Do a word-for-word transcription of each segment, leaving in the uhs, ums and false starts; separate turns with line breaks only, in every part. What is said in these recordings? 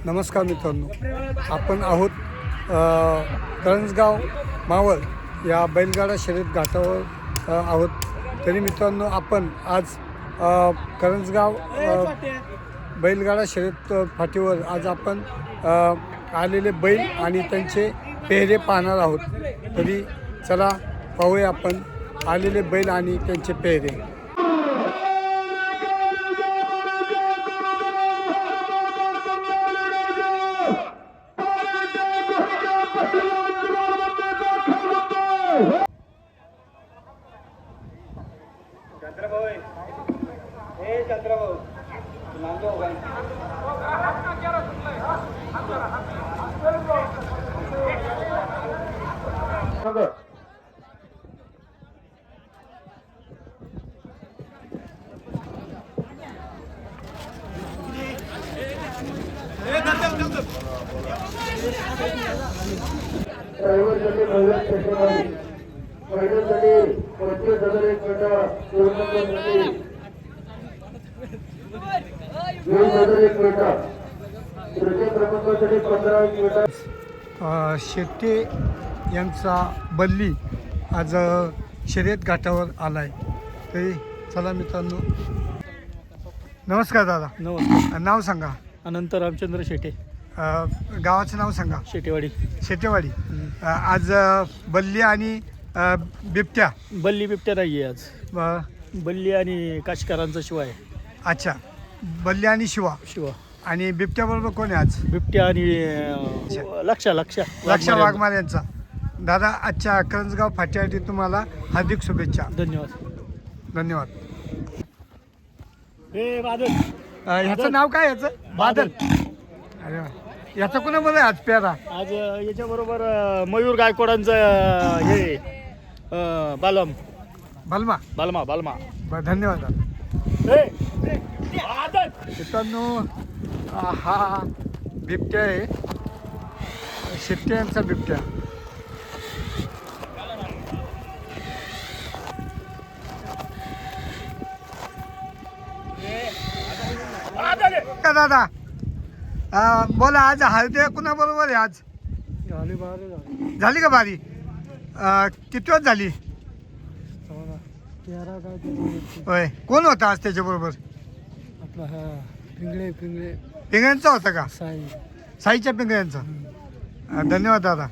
नमस्कार मित्रांनो, आपण आहोत करंजगाव मावळ या बैलगाडा शर्यत घाटावर अ, आहोत. तरी मित्रांनो, आपण आज अ, करंजगाव अ, बैलगाडा शर्यत फाटीवर आज आपण अ, आलेले बैल आणि त्यांचे पेहरे पाहणार आहोत. तरी चला पाहूया आपण आलेले बैल आणि त्यांचे पेहरे.
चंद्रभाऊ हे चंद्रभाऊ नांदो भाई
फायनलसाठी पंचवीस हजार एक गटा दोन नंबरसाठी वीस हजार एक गटा तृतीय क्रमांकासाठी पंधरा एक गटा.
शेट्टे यांचा बल्ली आज शर्यत घाटावर आला आहे. तरी चला मित्रांनो, नमस्कार दादा.
नमस्कार.
नाव सांगा.
अनंत रामचंद्र शेटे,
अ, गावाचं नाव सांगा.
शेटेवाडी.
शेटेवाडी. अ, आज अ, बल्ली आणि अ, बिबट्या.
बल्ली बिबट्या नाही आहे आज.
अ,
बल्ली आणि काशकारांचा शिवाय
अच्छा, बल्ली आणि शिवा.
शिवा
आणि बिबट्याबरोबर कोण आहे आज?
बिबट्या आणि अं, लक्षा लक्षा
लक्षा वाघमार यांचा. दादा, आजच्या करंजगाव फाट्यासाठी तुम्हाला हार्दिक शुभेच्छा.
धन्यवाद.
धन्यवाद.
हे बादल.
अ, ह्याचं नाव काय ह्याचं? बादल. अरे वा. याचं कोणाबरोबर आहे आज पेरा?
आज याच्याबरोबर अं, मयूर गायकवाडांचं अं, हे अं, बालम
बलमा.
बालमा बालमा
बरं, धन्यवाद दादा.
हे, हे, बादल.
मित्रांनो, अ, हा बिबट्या आहे, शेट्टे यांचा बिबट्या. का दादा, अ, बोला, आज हळदे कुणाबरोबर आहे आज?
झाली बारे झाली.
झाली का बारी? अ, किती वेळ झाली?
तेरा काय
होय. कोण होता आज त्याच्याबरोबर?
आपला हा पिंगळे पिंगळे
पिंगळ्यांचा होता का?
साई.
साईच्या पिंगळ्यांचा. अ, धन्यवाद दादा.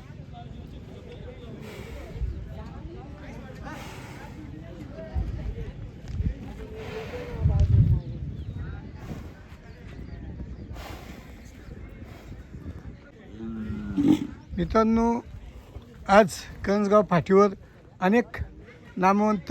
मित्रांनो, आज करंजगाव फाटीवर अनेक नामवंत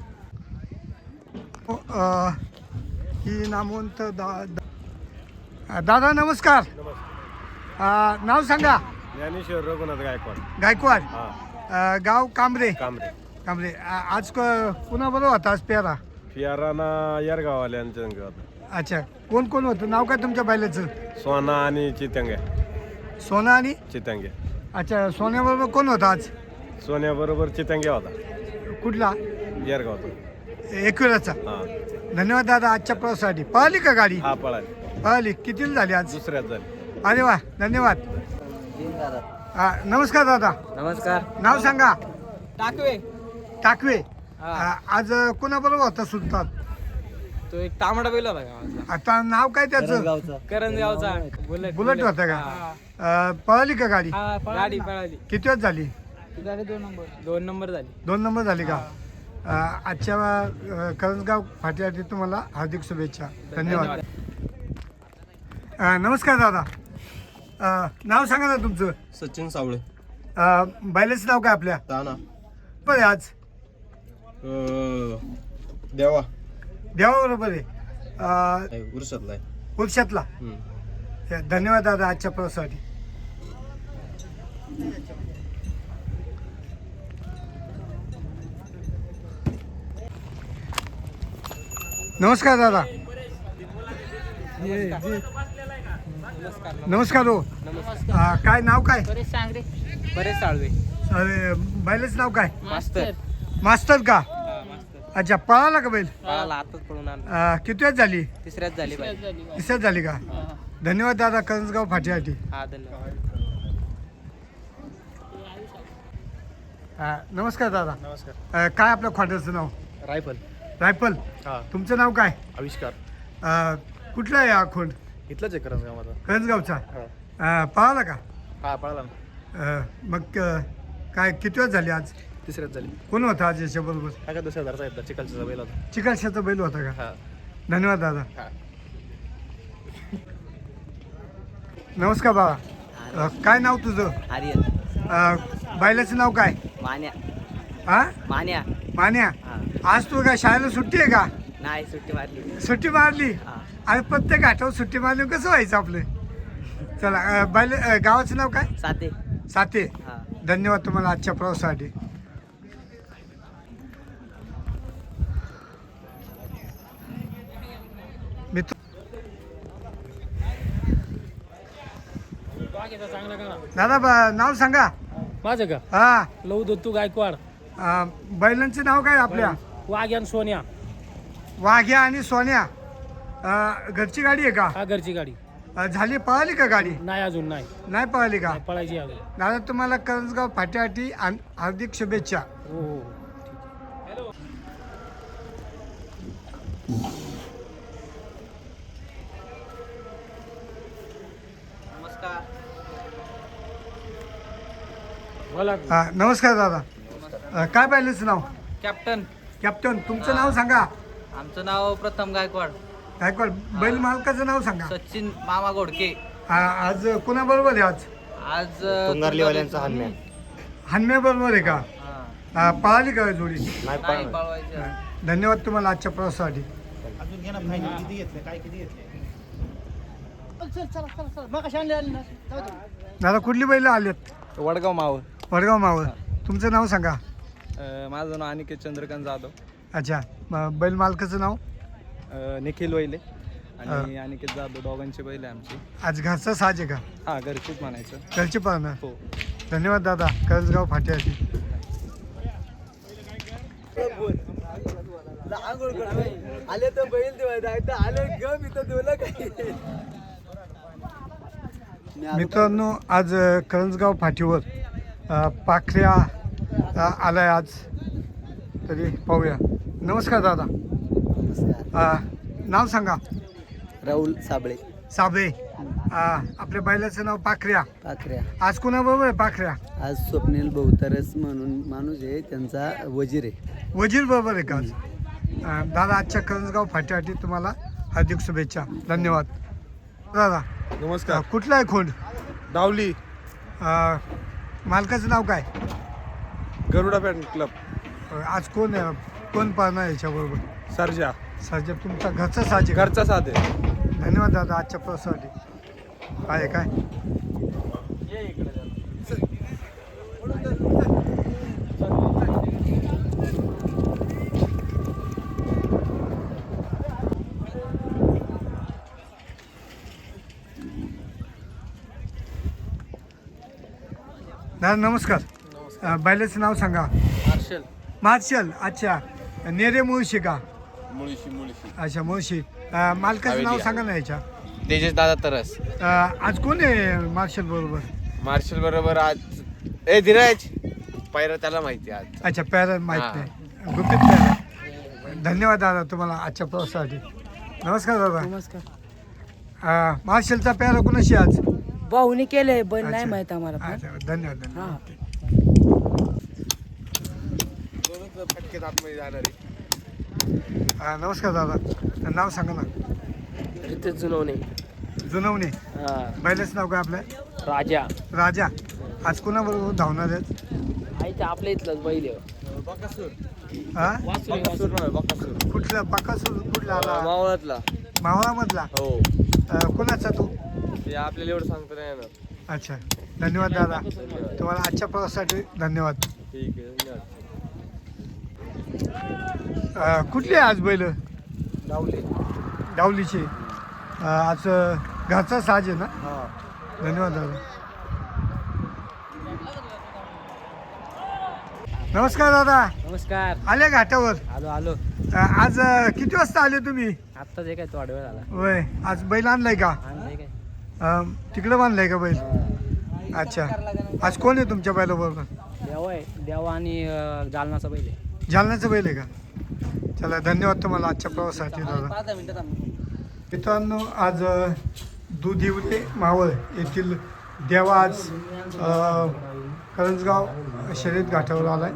अ, ही नामवंत दा दा- दादा नमस्कार. अ, नाव सांगा.
ज्ञानेश्वर रघुनाथ गायकवाड.
गायकवाड.
हा,
अ, गाव कांबरे.
कांबरे.
कांबरे. अ, आज कुणाबरोबर होता आज पेरा?
फियाराना येरगाववाल्यांच्या संग होता.
अच्छा, कोण कोण होतं? नाव काय तुमच्या बैलाचं?
सोना आणि चितंग्या.
सोना आणि
चितंग्या.
अच्छा, सोन्याबरोबर कोण होता आज?
सोन्याबरोबर चितंग्या होता,
कुठला?
येरगावचा.
एकविराचा.
हा
धन्यवाद दादा आजच्या प्रवासासाठी. पळाली का गाडी?
हा पळाली.
पळाली. कितीला झाली आज?
दुसऱ्यात झाली.
अरे वा, धन्यवाद. हा, नमस्कार दादा.
नमस्कार.
नाव सांगा.
टाकवे.
टाकवे.
हा.
आ, आज कोणाबरोबर होता सुलतान?
तो एक तांबडा बैल होता गावातला.
आता नाव काय त्याचं?
करंजगावचा बुलेट.
बुलेट होता का?
हा.
आ, पळाली का गाडी?
हा, गाडी पळाली.
किती वेळ झाली?
झाली दोन नंबर. दोन नंबर झाली.
दोन नंबर झाली का? आ, आजच्या अ, करंजगाव फाट्यासाठी तुम्हाला हार्दिक शुभेच्छा. धन्यवाद. आ, नमस्कार दादा. आ, नाव सांगा ना तुमचं.
सचिन सावळे.
आ, बैलाचं नाव काय आपल्या?
ताना.
बरं आहे आज
अं, देवा.
देवाबरोबर आहे. आ,
नाही, उरसातला आहे.
उर्षातला.
हम्म.
धन्यवाद दादा आजच्या प्रवासासाठी. नमस्कार दादा. नमस्कार हो. आ, काय नाव काय?
बरेच सांगरे. बरेच साळवे.
अरे, बैलाचं नाव काय?
मास्तर.
मास्टर का? अच्छा, पळाला का बैल?
पळाला आताच पळून आला.
आ, किती वेळ झाली?
तिसऱ्याच झाली बाई.
तिसऱ्याच झाली का? धन्यवाद दादा करंजगाव फाटीसाठी.
हा धन्यवाद.
अ, नमस्कार दादा.
नमस्कार.
अ, काय आपल्या खोट्याचं नाव?
रायफल.
रायफल.
हा.
तुमचं नाव काय?
आविष्कार.
अ, कुठला आहे हा खोंड?
इथलंच आहे करंजगाव माझा.
करंजगावचा.
हा.
अ, पळाला का?
हा पळाला ना.
अ, मग अ, काय किती वेळ झाली आज?
तिसऱ्याच झाली.
कोण होता आज याच्याबरोबर?
काय का दुसऱ्या हजारचा येतात चिकलचा बैल होता.
चिकलशाचा बैल होता का?
हा.
धन्यवाद दादा.
हा.
नमस्कार बाबा. अ, काय नाव तुझं?
आर्यन.
अ, बैलाचं नाव काय?
मान्या.
हा
मान्या.
मान्या.
हा.
आज तू काय शाळेला सुट्टी आहे का?
नाही सुट्टी मारली.
सुट्टी मारली.
हा.
आणि प्रत्येक घाटावर सुट्टी मारली कसं व्हायचं आपलं? चला अ, बैल अ, गावाचं नाव काय?
साते.
साते.
हा.
धन्यवाद तुम्हाला आजच्या प्रवासासाठी. मित्र दादा ब- नाव सांगा.
माझं का
हा.
लव दत्तू गायकवाड.
अ, बैलांचे नाव काय आपल्या?
वाघ्यान सोन्या.
वाघ्या आणि सोन्या. अ, घरची गाडी आहे का?
हा घरची गाडी.
अ, झाली पळाली का गाडी?
नाही अजून नाही
नाही पळाली का?
पळायची अजून.
दादा तुम्हाला करंजगाव फाट्यासाठी आन- हार्दिक शुभेच्छा.
हो हो.
नमस्कार.
बोला.
हा, नमस्कार दादा. अ, काय पाहिलंच नाव?
कॅप्टन.
कॅप्टन तुमचं नाव सांगा.
आमचं नाव प्रथम गायकवाड.
गायकवाड. बैल मालकाचं नाव सांगा.
सचिन मामा घोडके.
आ, आज कोणाबरोबर आहे आज?
आज
तुंगारलीवाल्यांचा हन्म्या.
हन्म्या बरोबर आहे का? आ, पळाली का जोडी?
नाही पळवायचं.
धन्यवाद तुम्हाला आजच्या प्रवासासाठी. दादा कुठली बैल आलेत?
वडगाव मावळ.
वडगाव मावळ. तुमचं नाव सांगा.
माझं नाव अनिकेत चंद्रकांत जाधव.
अच्छा. म- बैल मालकाचं नाव?
निखिल वैले आणि अनिकेत जाधव दोघांची बैल आहे आमची.
आज घरचा साज आहे का?
हा घरचीच म्हणायचं.
घरची पाहणं.
हो.
धन्यवाद दादा करंजगाव फाट्यासाठी.
आले तर बैल आले गप इथं दोला काही.
मित्रांनो आज अ, करंजगाव फाटीवर अ, पाखऱ्या अ, आलाय आज. तरी पाहूया. नमस्कार दादा. अ, नाव सांगा.
राहुल साबळे.
साबळे. अ, आपल्या बैलाचं नाव पाखऱ्या.
पाखऱ्या.
आज कोणाबरोबर आहे पाखऱ्या?
आज स्वप्नील बहुतरस म्हणून माणूस आहे त्यांचा वजीर आहे.
वजीर बरोबर आहे का आज? अ, दादा आजच्या करंजगाव फाट्यासाठी तुम्हाला हार्दिक शुभेच्छा. धन्यवाद दादा. अ,
नमस्कार.
कुठला आहे खोंड?
डावली.
अ, मालकाचं नाव काय?
Garuda pan club.
अ, आज कोण आहे? कोण पाहणार याच्याबरोबर?
सर्जा.
साजे तुमचा घरचा साजे.
घरचा साधे.
धन्यवाद दादा आजच्या प्रवासासाठी. आहे काय? दादा नमस्कार. अ, बैलाचं नाव सांगा.
मार्शल.
मार्शल. अच्छा. नेरे मुळशी का?
मुळशी मुळशी.
अच्छा मुळशी. अ, मालकाचं नाव सांगा ना याच्या.
तेजस दादा तरस.
अ, आज कोण आहे मार्शल बरोबर?
मार्शल बरोबर आज ए धीरज पायरा त्याला माहिती आज.
अच्छा पॅरा माहीत
हा.
नाही. गुपित पॅरा. धन्यवाद दादा तुम्हाला आजच्या प्रवासासाठी. नमस्कार दादा.
नमस्कार.
अ, मार्शलचा पॅरा कोणाशी आज?
भाऊनी केलंय पण नाही
अच्छा.
माहित आम्हाला पण.
अच्छा, धन्यवाद धन्यवाद.
हा.
फटकेत आतमध्ये जाणार आहे.
अ, नमस्कार दादा. नाव सांगा ना.
रितेश जुनवणे.
जुनवणे.
हा.
बैलाचं नाव काय आपलं?
राजा.
राजा. आज कोणाबरोबर धावणार आहेत?
आईच्या आपल्या इथलंच बैल आहे.
हा?
वासुरी,
बकासूर
वासुरी.
नाही, बकासूर.
कुठला बकासूर कुठला आला?
मावळातला.
मावळामधला.
हो.
अ, कोणाचा तू?
ते आपल्याला एवढं सांगता नाही येणार.
अच्छा. धन्यवाद दादा तुम्हाला आजच्या प्रवासासाठी. धन्यवाद.
ठीक आहे धन्यवाद.
अ, कुठली आहे आज बैल?
डावली.
डावलीची. अ, आज अ, घरचा साज आहे ना?
हा.
धन्यवाद दादा. नमस्कार दादा.
नमस्कार.
आले घाटावर?
आलो आलो.
अ, आज अ, किती वाजता आले तुम्ही?
आत्ताच एक काय थोडा वेळ झाला.
होय. आज बैल आणलाय का?
आणलंय काय.
अं, तिकडे बांधलाय का बैल अच्छा आज कोण आहे तुमच्या बैलाबरोबर
देवा आहे देवा आणि अं, जालनाचा बैल आहे.
जालन्याचं बैल आहे का चला धन्यवाद तुम्हाला आजच्या प्रवासासाठी दादा
पाच दहा मिनिटात आम्ही
मित्रांनो आज अ, दुधिवले मावळ येथील देवा आज अ, करंजगाव शर्यत घाटावर आलाय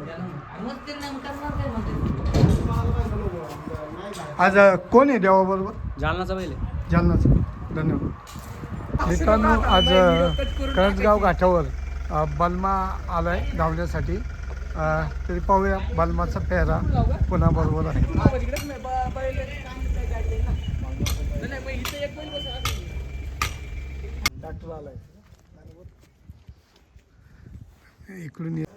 आज अ, कोण आहे देवाबरोबर
जालनाचा बैल आहे.
जालनाचं धन्यवाद मित्रांनो आज अ, करंजगाव घाटावर अ, बलमा आलाय धावण्यासाठी अ, तरी पाहूया बलमाचा पेहरा पुन्हा बरोबर आहे डॉक्टर आलाय इकडून ये.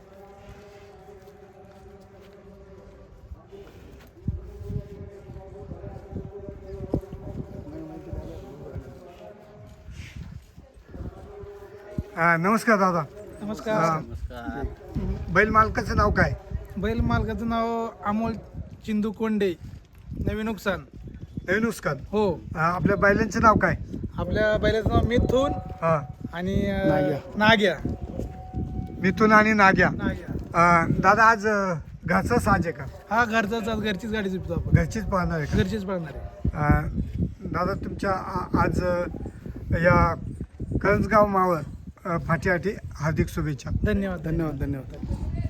हा, नमस्कार दादा
नमस्कार
हा, बैल मालकाचं नाव काय
बैल मालकाचं नाव अमोल चिंदू कोंडे नवीन नुकसान
नवीन उस्कान
हो
हा, आपल्या बैलांचं नाव काय
आपल्या बैलाचं नाव मिथून
हा
आणि अं, नाग्या
मिथून आणि नाग्या
नाग्या
अ, दादा आज अ, घरचा साज आहे का
हा घरचाच आज घरचीच गाडी जिंकतो आपण
घरचीच पाहणार आहे
घरचीच पळणार आहे
का अ, दादा तुमच्या आ- आज अ, या करंजगाव मावळ अ, फाटीसाठी हार्दिक शुभेच्छा
धन्यवाद
धन्यवाद धन्यवाद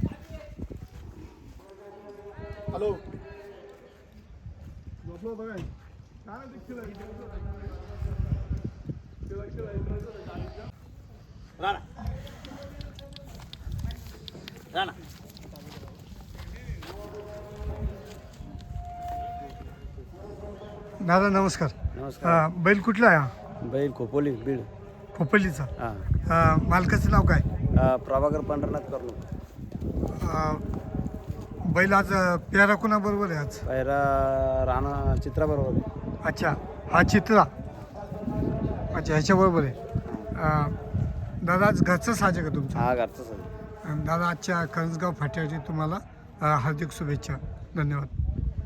हॅलो दादा नमस्कार
नमस्कार
अ, बैल कुठला आहे हा?
बैल खोपोली बीड
खोपल्लीचा
हां
अ, मालकाचं नाव काय
प्रभाकर पंढरनाथ करणू
अ, बैल आज अ, प्यारा कुणाबरोबर आहे आज
पायरा राणा चित्राबरोबर
अच्छा हा चित्रा अच्छा ह्याच्याबरोबर आहे अ, दादा आज घरचं साज आहे का तुमचं
हा घरचा सर
अ, दादा आजच्या करंजगाव फाट्यासाठी तुम्हाला अ, हार्दिक शुभेच्छा धन्यवाद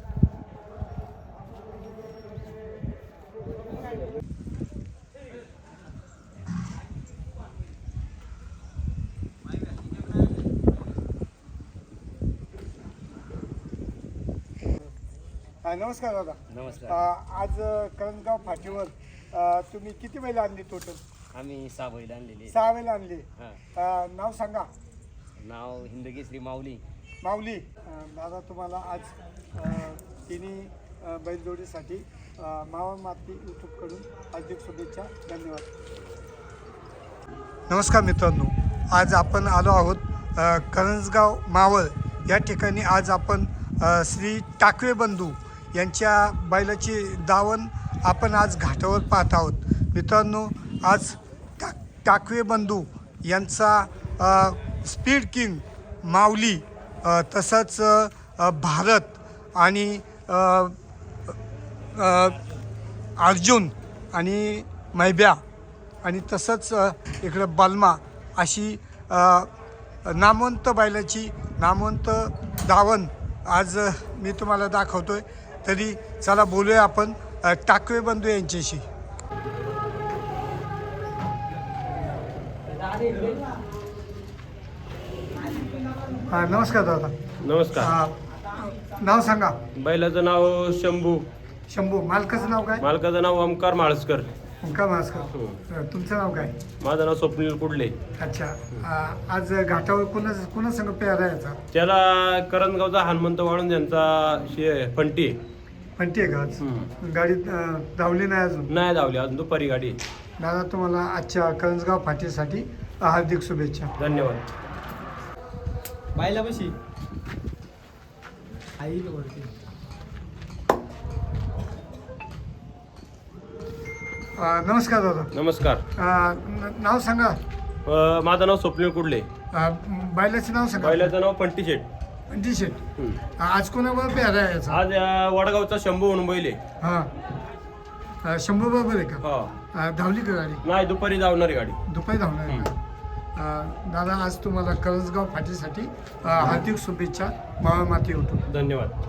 हा, नमस्कार दादा
नमस्कार
अ, आज अ, करंजगाव फाटीवर अ, तुम्ही किती बैल आणली टोटल
आम्ही सहा बैल आणलेले.
सहा बैल आणली
हां.
अ, नाव सांगा
नाव हिंदकेसरी माऊली.
माऊली अ, दादा तुम्हाला आज अ, तिन्ही अ, बैलजोडीसाठी अ, मावळ माती यूट्यूबकडून हार्दिक शुभेच्छा धन्यवाद नमस्कार मित्रांनो आज आपण आलो आहोत अ, करंजगाव मावळ या ठिकाणी आज आपण अ, श्री टाकवे बंधू यांच्या बैलाची दावण आपण आज घाटावर पाहत आहोत मित्रांनो आज टा टाकवे बंधू यांचा अ, स्पीड किंग माऊली अ, तसंच अ, भारत आणि अ, अ, अर्जुन आणि मैब्या आणि तसंच अ, इकडं बलमा अशी अ, नामवंत बैलाची नामवंत दावण आज अ, मी तुम्हाला दाखवतोय तरी चला बोलूया आपण अ, टाकवे बंधू यांच्याशी हा, नमस्कार दादा
नमस्कार
अ, नाव सांगा
बैलाचं नाव शंभू
शंभू मालकाचं नाव काय
मालकाचं नाव ओमकार माळसकर
ओंकार मास्कर तुमचं नाव काय
माझं नाव स्वप्नील कुडले
अच्छा अ, आज घाटावर कुणा कुणा संग प्यारा याचा
त्याला करंजगावचा हनुमंत वाळून यांचा शे फंटी आहे.
म्हणते का आज
हम्म.
गाडी अ, धावली नाही अजून
नाही धावली अजून दुपारी गाडी आहे.
दादा तुम्हाला आजच्या करंजगाव फाटीसाठी हार्दिक शुभेच्छा
धन्यवाद
बायला बशी आई वरती
अ, नमस्कार दादा
नमस्कार
अ, न- नाव सांगा
अ, माझं नाव स्वप्नील कुडले
अ, बैलाचं नाव सांगा
बैलाचं नाव फंटी शेट
टी शर्ट आज कोणाबरोबर प्यारा आहे याचा
आज अ, वडगावचा शंभू म्हणून बैल आहे
हां अ, शंभर बरोबर आहे का
हो
अ, धावली का गाडी
नाही दुपारी धावणारी गाडी
दुपारी धावणार आहे का अ, दादा आज तुम्हाला करंजगाव फाटीसाठी अ, हार्दिक शुभेच्छा मावळ माती होतो
धन्यवाद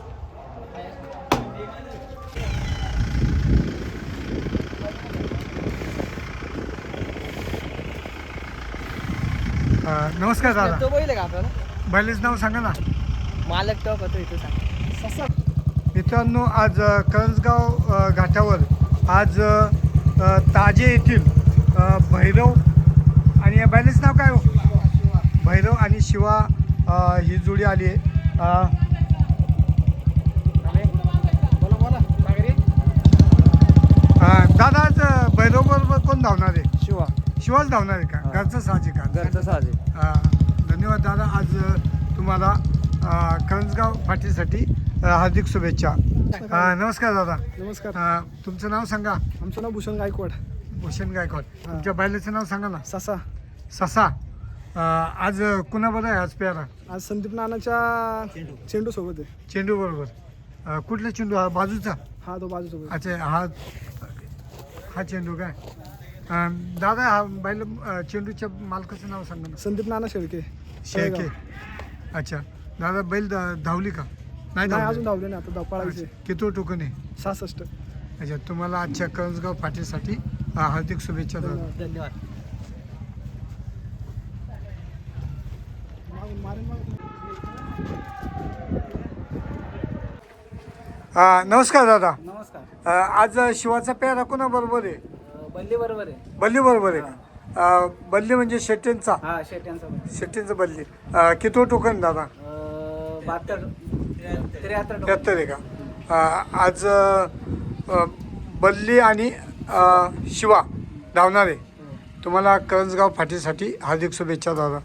अं, नमस्कार दादा.
तो बैल आहे का आपल्याला
बैलाचं नाव सांगा ना.
मालक तो होतो इथं सांग.
मित्रांनो आज अ, करंजगाव अ, घाटावर आज अ, ताजे येथील अ, भैरव आणि या बैलाचं नाव काय हो? भैरव आणि शिवा अ, ही जोडी आली आहे. अ, अ, दादा आज भैरव बरोबर कोण धावणार आहे?
शिवा
शिवाच धावणार आहे का? घरचं साहजिक का?
घरचं साजे.
अ, धन्यवाद दादा. आज अ, तुम्हाला अ, करंजगाव पाठीसाठी अ, हार्दिक शुभेच्छा. अ, नमस्कार दादा.
नमस्कार.
अ, तुमचं नाव सांगा.
आमचं नाव भूषण गायकवाड.
भूषण गायकवाड. तुमच्या बैलाचं नाव सांगा ना.
ससा.
ससा. अ, आज कुणाबरोबर आहे आज प्यारा?
आज संदीप नानाच्या चेंडू सोबत आहे.
चेंडू बरोबर. अ, कुठला चेंडू? हा बाजूचा?
हा तो बाजू सोबत.
अच्छा हा हा चेंडू काय? अ, दादा हा बैल अ, चेंडूच्या मालकाचं नाव सांगा ना.
संदीप नाना शेळके.
शेळके. अच्छा दादा बैल धा- धावली का? नाही
नाही
धावली.
अजून धावले नाही आता धाव पळायचे.
किती टोकन आहे?
सहासष्ट.
अच्छा तुम्हाला आजच्या करंजगाव पाठीसाठी अ, हार्दिक शुभेच्छा दादा.
धन्यवाद.
अ, नमस्कार दादा.
नमस्कार.
अ, आज शिवाचा पेरा कोणाबरोबर आहे?
बल्ली बरोबर आहे.
बल्ली बरोबर आहे का? अ, बल्ली म्हणजे शेट्टींचा.
हा शेट्यांचा
शेट्टींचं बल्ली. अ, किती टोकन दादा?
बहात्तर त्र्याहत्तर
त्र्याहत्तर आहे का? अ, आज अ, बल्ली आणि अ, शिवा धावणार आहे. तुम्हाला करंजगाव फाटीसाठी हार्दिक शुभेच्छा दादा.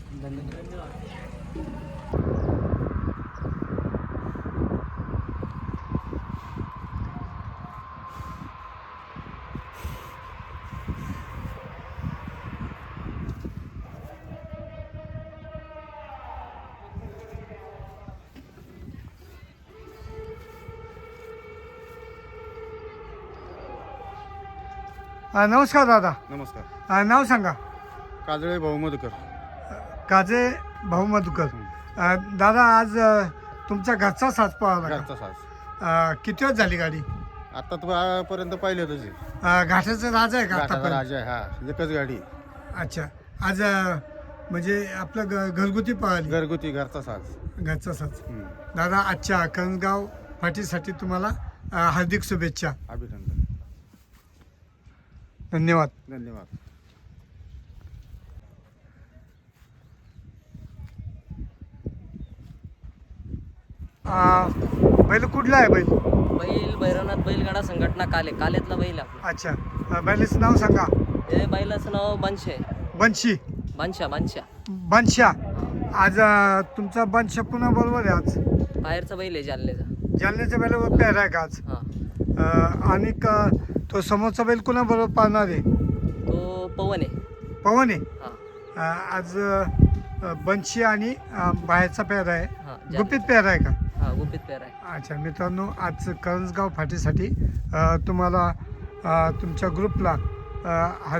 अ, नमस्कार दादा.
नमस्कार.
अ, नाव सांगा.
काजळे भाऊ मधुकर.
काजे भाऊ मधुकर. अ, दादा आज अ, तुमचा घरचा साज पळाला का?
घरचा साज.
अ, किती वेळ झाली गाडी?
आता पर्यंत पाहिले तुझे
अ, घाटाचा राजा आहे का आतापर्यंत?
राजा आहे हा एकच गाडी
अच्छा आज अ, म्हणजे आपलं घ घरगुती पळाली.
घरगुती घरचा साज.
घरचा साज.
हम्म.
दादा आजच्या करंजगाव फाटीसाठी तुम्हाला अ, हार्दिक शुभेच्छा.
अभिनंदन.
धन्यवाद.
धन्यवाद.
अ, बैल कुठला आहे बैल?
बैल भैरवनाथ बैलगाडा संघटना काले कालेतला बैल आहे आपला.
अच्छा अ, बैलाचं नाव सांगा.
ते बैलाचं नाव बनशे आहे.
बनशी.
बनशा बनशा
बनशा. आज अ, तुमचा बनशा पुन्हा बरोबर आहे आज?
बाहेरचा बैल आहे जालन्याचा.
जालन्याच्या बैलावर पेहरा आहे का आज?
हा
अ, आणि क- तो समोरचा बैल कोणाबरोबर पाळणार आहे?
तो पवन आहे.
पवन आहे.
हा
अ, आज अ, बनशी आणि अ, बाहेरचा पेहरा आहे.
हा जाल-
गुपित पेहरा आहे का?
हा गुपित पेर आहे.
अच्छा मित्रांनो आज करंजगाव फाटीसाठी अ, तुम्हाला अ, तुमच्या ग्रुपला अ, हा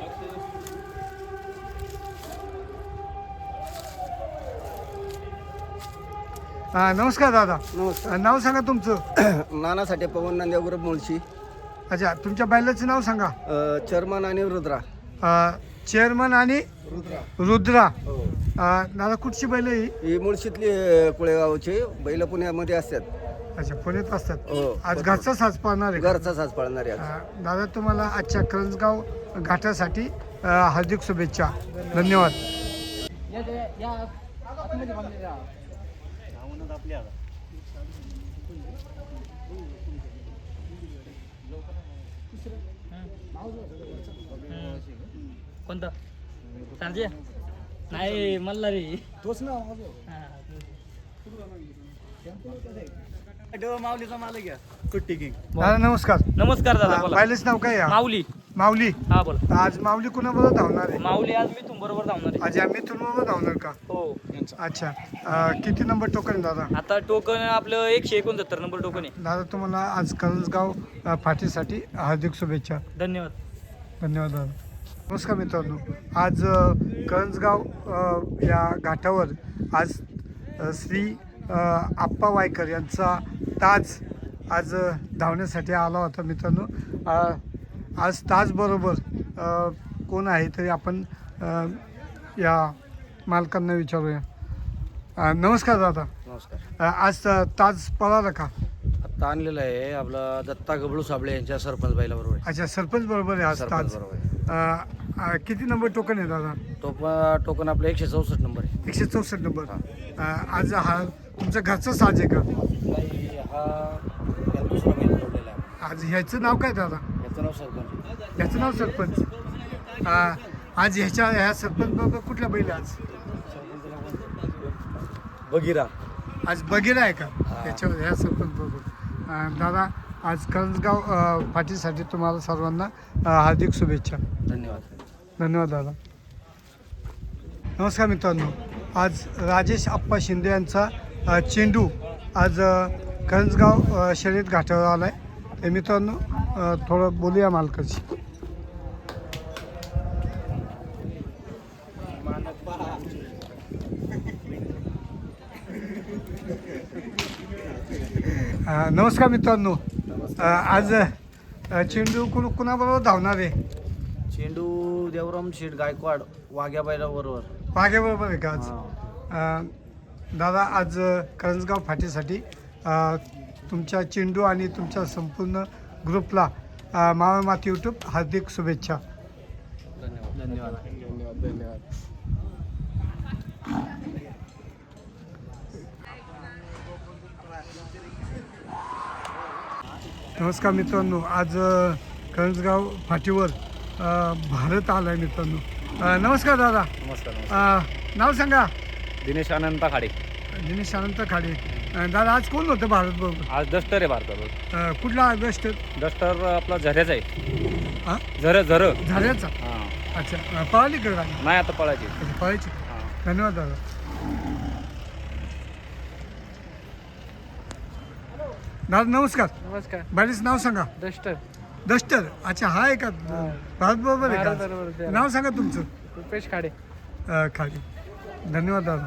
अ, नमस्कार दादा.
नमस्कार.
अ, नाव सांगा तुमचं.
नानासाठी पवन नांदेव ग्रुप मुळशी.
अच्छा तुमच्या बैलाचं नाव सांगा.
चर्मन आणि रुद्रा.
चेअरमन आणि रुद्रा.
हो.
अ, दादा कुठची बैल आहे ही?
ही मुळशीतली कुळेगावची बैल पुण्यामध्ये असतात.
अच्छा पुण्यात असतात.
हो.
आज घरचा साज पाळणार आहे का?
घरचा साज पाळणारे आहेत.
अ, दादा तुम्हाला आजच्या करंजगाव घाटासाठी अ, हार्दिक शुभेच्छा. धन्यवाद.
कोणता सांजे नाही मल्ला रे.
तोच ना.
माऊलीचा मालक घ्या.
दादा नमस्कार.
नमस्कार दादा बोला.
बैलाचं नाव काय आहे?
माऊली.
माऊली.
हा बोला.
आज माऊली कुणाबरोबर धावणार आहे?
माऊली आज मी तुमबरोबर धावणार आहे.
आज आम्ही बरोबर धावणार का?
हो
अच्छा अ, किती नंबर टोकन दादा?
आता टोकन आपलं एकशे एकोणसत्तर नंबर टोकन आहे.
दादा तुम्हाला आज करंजगाव अ, फाटीसाठी हार्दिक शुभेच्छा.
धन्यवाद.
धन्यवाद दादा. नमस्कार मित्रांनो. आज अ, करंजगाव अ, या घाटावर आज अ, श्री अ, आप्पा वायकर यांचा ताज आज अ, धावण्यासाठी आला होता मित्रांनो. अ, आज ताजबरोबर अ, कोण आहे तरी आपण अ, या मालकांना विचारूया. अ, नमस्कार दादा.
नमस्कार.
अ, आज अ, ताज पळाला का?
आता आणलेलं आहे आपला दत्ता गबळू साबळे यांच्या सरपंच बाईला बरोबर आहे.
अच्छा, सरपंच बरोबर आहे आज
सरपंच
ताज.
बरोबर आहे.
अ, अ, किती नंबर टोकन आहे दादा?
टोप टोकन आपलं एकशे चौसष्ट नंबर आहे.
एकशे चौसष्ट नंबर. अ, आज हा तुमचा घरचा साज आहे का?
काही हा याला दुसरा बैल जोडलेला आहे.
आज ह्याचं नाव काय दादा?
याचं नाव सरपंच.
ह्याचं नाव सरपंच. अ, आज ह्याच्या ह्या सरपंच बरोबर कुठला बैल आहे आज?
बगिरा.
आज बगीरा आहे का त्याच्यावर ह्या सरपंच बरोबर? अं, दादा आज करंजगाव अं, पाठीसाठी तुम्हाला सर्वांना अं, हार्दिक शुभेच्छा.
धन्यवाद.
धन्यवाद दादा. नमस्कार मित्रांनो, आज राजेश आप्पा शिंदे यांचा अं, चेंडू आज अं, करंजगाव अं, शर्यत घाटावर आला आहे. तर मित्रांनो अं, थोडं बोलूया मालकाशी. अ, नमस्कार मित्रांनो. अ, आज अ, चेंडू कुण कुणाबरोबर धावणार आहे?
चेंडू देवराम शेठ गायकवाड वाघ्या बैला बरोबर.
वाघ्याबरोबर आहे का आज? अ, दादा आज अ, करंजगाव फाटीसाठी अ, तुमच्या चेंडू आणि तुमच्या संपूर्ण ग्रुपला अ, मावळ माती यूट्यूब हार्दिक शुभेच्छा.
धन्यवाद. धन्यवाद.
धन्यवाद धन्यवाद.
नमस्कार मित्रांनो, आज अ, करंजगाव फाटीवर अ, भारत आला आहे मित्रांनो. अ, नमस्कार दादा.
नमस्कार.
अ, नाव सांगा.
दिनेश अनंता खाडे.
दिनेश अनंत खाडे. अ, दादा आज कोण होतं भारत बरोबर?
आज डस्टर आहे भारतावर.
अ, कुठला बेस्ट?
डस्टर आपला झऱ्याचा आहे.
हां
झर झर
झाल्याचा.
हां.
अच्छा, अ, पळाली का गाडी?
नाही आता पळायची.
अच्छा, पळायची.
हां.
धन्यवाद दादा. दादा नमस्कार.
नमस्कार.
बाईचं नाव सांगा.
डस्टर.
डस्टर. अच्छा, हा आहे का भारत बरोबर आहे
भारत
का?
बरोबर आहे.
नाव सांगा तुमचं.
रुपेश खाडे.
अ, खाली. धन्यवाद दादा.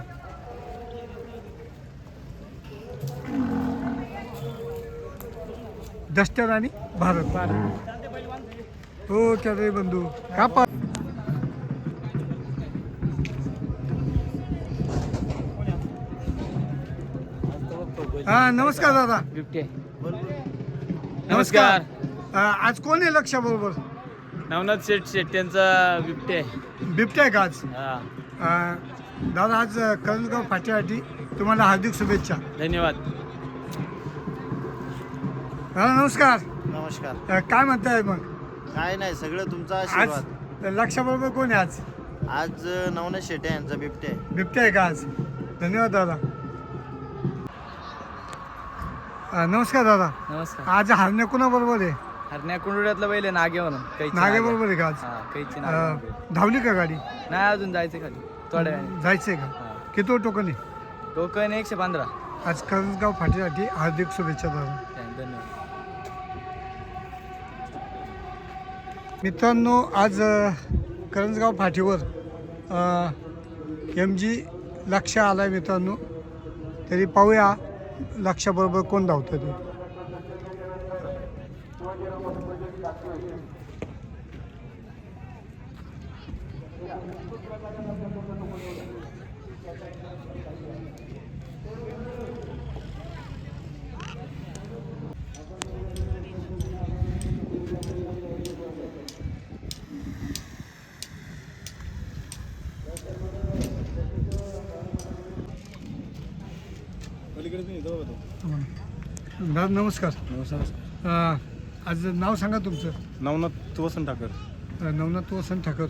डस्टर आणि भारत. हो क्या रे बंधू का पा हा नमस्कार दादा.
बिबटे.
नमस्कार.
अ, आज कोण आहे लक्षा बरोबर?
नवनाथ शेठ शेट यांचा बिबटे आहे.
बिबट्या आहे का आज?
हा.
अ, दादा आज अ, करंजगाव फाट्यासाठी तुम्हाला हार्दिक शुभेच्छा.
धन्यवाद.
दादा नमस्कार.
नमस्कार.
अ, काय म्हणताय मग?
काय नाही सगळं तुमचा
आज लक्षाबरोबर कोण आहे आज?
आज नवनाथ शेटे यांचा बिबटे आहे.
बिबट्या आहे का आज? धन्यवाद दादा. अ, नमस्कार दादा.
नमस्कार.
आज हरण्या कोणाबरोबर आहे?
हरण्या कुंडुड्यातला बैल आहे नागे म्हणून. कैची
नागे बरोबर आहे का आज?
हा, कैची
अ,
नागे.
धावली का गाडी?
नाही अजून जायचं खाली थोड्या वेळाने.
जायचंय का?
हा.
किती टोकन आहे?
टोकन एकशे पंधरा.
आज करंजगाव फाटीसाठी हार्दिक शुभेच्छा दादा.
धन्यवाद.
मित्रांनो आज अ, करंजगाव फाटीवर एम जी लक्ष आला आहे मित्रांनो. तरी पाहूया लक्षाबरोबर कोण धावतं ते. दादा नमस्कार.
नमस्कार.
अ, आज नाव सांगा तुमचं.
नवनाथ वसंत ठाकर.
अ, नवनाथ वसंत ठाकर.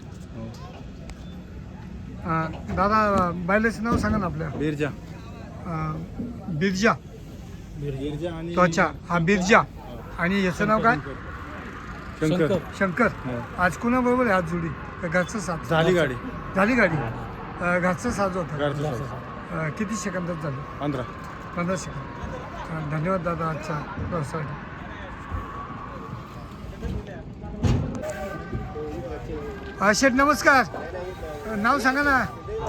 अ, दादा बायलेचं नाव सांगा ना आपल्या.
बिरजा.
अ, बिरजा.
बिरजा आणि
त्वचा हा बिरजा. आणि याचं नाव काय?
शंकर.
शंकर. आज कुणाबरोबर आहे आज जोडी? का घरचं साथ?
झाली गाडी.
झाली गाडी. अ, घरचं साज होता. अ, किती सेकंदात झालं?
पंधरा.
पंधरा सेकंद. अ, धन्यवाद दादा आजच्या प्रवासासाठी. अ, शेठ नमस्कार. अ, नाव सांगा ना.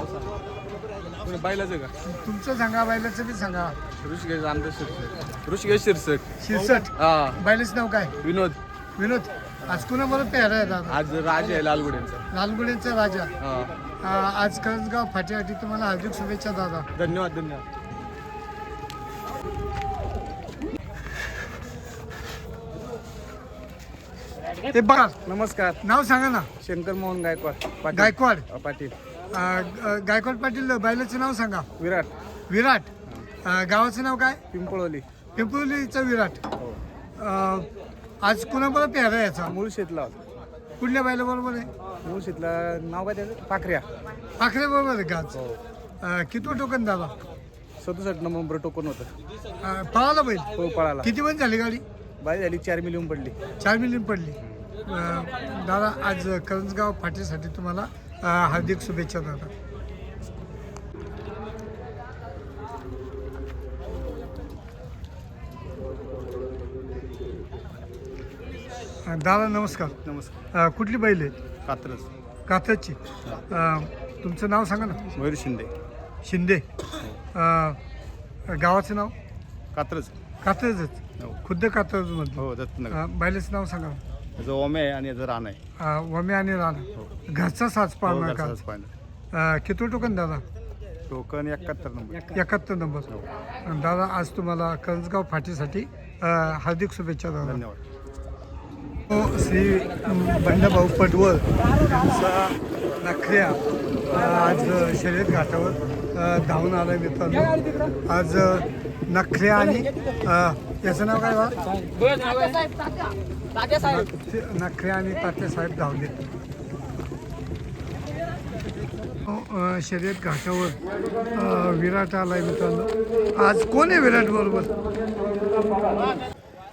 बायलाच का?
तुमचं सांगा, बायलाचं बी सांगा.
ऋषिकेश आमदार शिरसट. ऋषिकेश शिरसट.
शिरसट.
हा.
बायलाचं नाव काय?
विनोद.
विनोद. आज कुणाबरोबर पेहरा आहे दादा?
आज राज आहे लालगुड्यांचा.
लालगुड्यांचा राजा.
हा.
अ, आज करंजगाव फाटीसाठी तुम्हाला हार्दिक शुभेच्छा दादा.
धन्यवाद धन्यवाद.
ते बघा
नमस्कार.
नाव सांगा ना.
शंकर मोहन गायकवाड
गायकवाड
पाटील.
अ, ग- गायकवाड पाटील बैलाचं नाव सांगा.
विराट
विराट. अ, गावाचं नाव काय.
पिंपळवली.
पिंपळीचं विराट. अ, आज कुणाबरोबर पेहरा याचा.
मुळशीतला.
कुठल्या बैलाबरोबर आहे.
मुळशीतला नाव काय त्याचं पाखऱ्या.
पाखरे बरोबर आहे का आज. अ, कितवं टोकन दादा.
सदुसष्ट नंबर टोकन होतं.
अ, पळाला बैल.
हो पळाला.
किती पण झाली गाडी.
बाई झाली चार मिलियन पडली.
चार मिलियन पडली. अ, दादा आज करंजगाव फाटीसाठी तुम्हाला अ, हार्दिक शुभेच्छा दादा. अ, दादा नमस्कार.
नमस्कार.
अ, कुठली बैल आहे.
कात्रज.
कात्रजची. अ, तुमचं नाव सांगा ना.
मयूर शिंदे.
शिंदे. अ, गावाचं नाव.
कात्रज.
कात्रजच.
हो.
खुद्द कात्रजमधलं.
हो दत्तनगर.
अ, बैलाचं नाव सांगा.
याचं ओमे आहे आणि याचं रान आहे.
अ, वमे आणि राणा. घरचा साज
हो,
पाळणार
घरचा
का.
साज पाळणार.
अ, किती टोकन दादा.
टोकन एकाहत्तर नंबर.
एकाहत्तर नंबर. आणि दादा आज तुम्हाला करंजगाव फाटीसाठी अ, हार्दिक शुभेच्छा दादा.
धन्यवाद.
हो, श्री बंडभाऊ पटवर यांचा नखऱ्या अ, आज शर्यत घाटावर अ, धावून आला आहे मित्रांनो. आज अ, नखऱ्या आणि अ, याचं नाव काय बा. नखऱ्या आणि तात्यासाहेब धावले. हो, अ, शर्यत घाटावर अ, विराट आला आहे मित्रांनो. आज कोण आहे विराट बरोबर.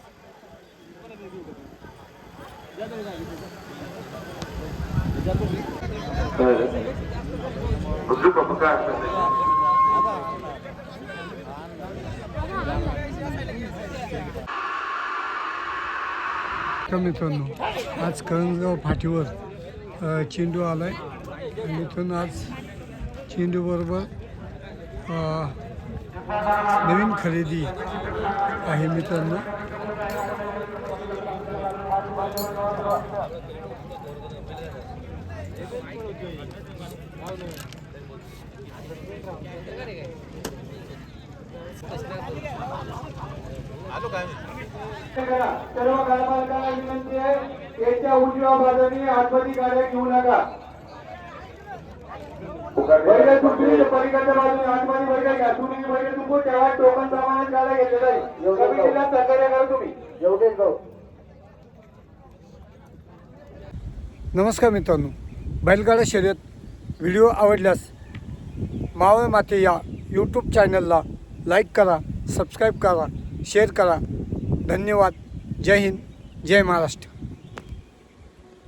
तर मित्रांनो आज करंजगाव फाटीवर अ, चेंडू आला आहे. आणि मित्रांनो आज चेंडू बरोबर अ, नवीन खरेदी आहे मित्रांनो.
सर्व गाडमालकांना विनंती आहे याच्या उजव्या बाजूने आतमध्ये गाड्या घेऊ नका. बैल तुटली पलीकडच्या बाजूने आतमध्ये बैल घ्या. तुम्ही बैल तुमको तेव्हा टोकन प्रमाणे गाड्या घेतलेला आहे. कमिटीला सहकार्य करा तुम्ही. एवढेच जाऊ.
नमस्कार मित्रांनो. बैलगाडा शर्यत व्हिडिओ आवडल्यास मावळ माते या यूट्यूब चॅनलला लाईक करा, सबस्क्राईब करा, शेअर करा. धन्यवाद. जय हिंद, जय महाराष्ट्र.